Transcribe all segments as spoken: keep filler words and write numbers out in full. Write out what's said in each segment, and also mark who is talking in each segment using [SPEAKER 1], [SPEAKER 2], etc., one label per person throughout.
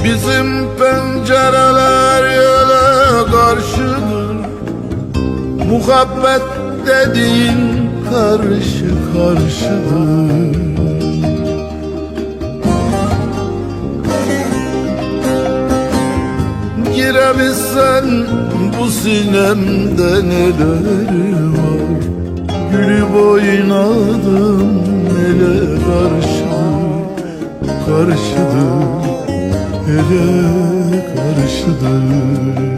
[SPEAKER 1] Bizim pencereler yöle karşıdır. Muhabbet dediğin karşı karşıdır. Girebilsen bu sinemde neler var. Gülüp oynadım ele karşıdır, karşıdır, ele karşıdır.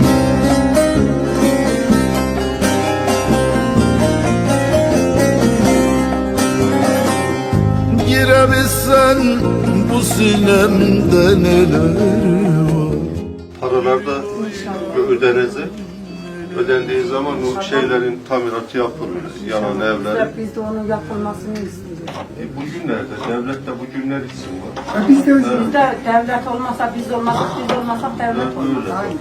[SPEAKER 1] Girebilsen bu sinemde neler var.
[SPEAKER 2] Paralar da ödenecek. Ödendiği zaman o şeylerin tamiratı yapılır, yanan evler.
[SPEAKER 3] Biz de onun yapılmasını istiyoruz.
[SPEAKER 2] E bugünlerde, devlet de bu günler için var.
[SPEAKER 3] Biz de, biz de devlet olmasa biz olmasak, biz olmasak devlet olmaz. Aynen.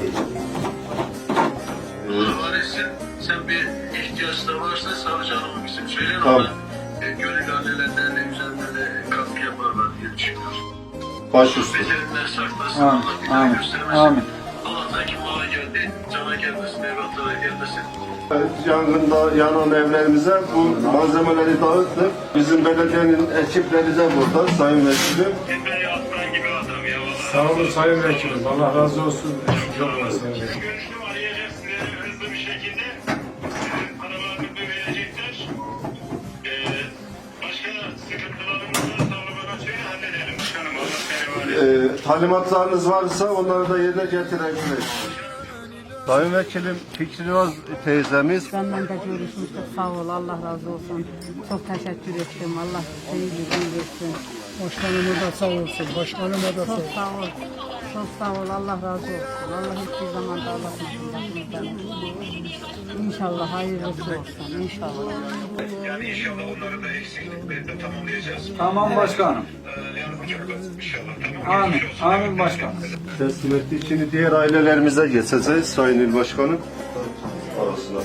[SPEAKER 4] Varisi sen bir ihtiyaç da varsa savcılığın bizim söyleyin
[SPEAKER 2] Tamam.
[SPEAKER 4] ona. E, gönül annelerden ne güzel böyle katkı yaparlar diye düşünüyoruz.
[SPEAKER 2] Baş üstü.
[SPEAKER 4] Beceriler saklasın.
[SPEAKER 5] Amin.
[SPEAKER 4] Allah bir daha
[SPEAKER 5] Amin.
[SPEAKER 4] göstermesin.
[SPEAKER 5] Amin.
[SPEAKER 4] Allah'tan ki mala geldi, cana gelmesin, evlatlara gelmesin.
[SPEAKER 2] Yangında yanan evlerimize bu malzemeleri dağıttık. Bizim belediyenin ekipleri de burada, sayın vekilim.
[SPEAKER 4] Epey aslan gibi adam ya vallahi.
[SPEAKER 5] Sağ olun Sayın Vekilim. Allah razı olsun. Çok olsun.
[SPEAKER 4] Görüştüm, arayacağız sizleri hızlı bir şekilde. Paralarını verecekler. Ee, başka sıkıntılarımız varsa onu bana söyle halledelim. Canım Allah seni var ya.
[SPEAKER 2] E, talimatlarınız varsa onları da yerine getirebiliriz. Sayın vekilim Fikri Öz teyzemiz.
[SPEAKER 3] Benden de görüşmüştük. Sağ ol. Allah razı olsun. Çok teşekkür ettim. Allah seni güzel versin.
[SPEAKER 5] Başkanıma da sağ olsun. Başkanıma da sağ
[SPEAKER 3] Çok
[SPEAKER 5] olsun.
[SPEAKER 3] sağ ol. Çok sağ ol. Allah razı olsun. Allah hiçbir zaman da ağlatmasın başımızdan. İnşallah hayırlısı olsun. İnşallah.
[SPEAKER 4] Yani inşallah onları da eksiklikleri de tamamlayacağız.
[SPEAKER 5] Tamam başkanım.
[SPEAKER 4] Ee, yani bu çok az inşallah. Tamam.
[SPEAKER 5] Amin. Amin başkanım.
[SPEAKER 2] Teslim ettik. Şimdi diğer ailelerimize geçeceğiz Sayın İl Başkanım. Arasına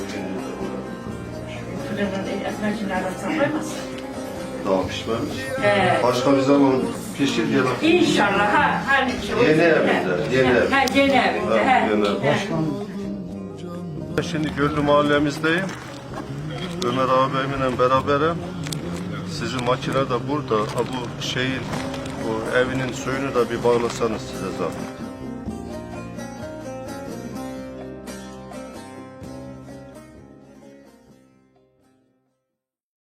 [SPEAKER 2] daha pişmemiş.
[SPEAKER 6] Ee,
[SPEAKER 2] Başka bir zaman pişir gel.
[SPEAKER 6] İnşallah ha, her şey.
[SPEAKER 2] Yeni evinde, yeni ev.
[SPEAKER 6] Ha, yeni evinde.
[SPEAKER 2] Ha,
[SPEAKER 6] Ha,
[SPEAKER 2] yeni ev.
[SPEAKER 6] ha.
[SPEAKER 2] Şimdi Göllü mahallemizdeyim. Ömer ağabeyimle beraberim. Sizin makine de burada. Ha, bu şeyin, bu evinin suyunu da bir bağlasanız size zahmet.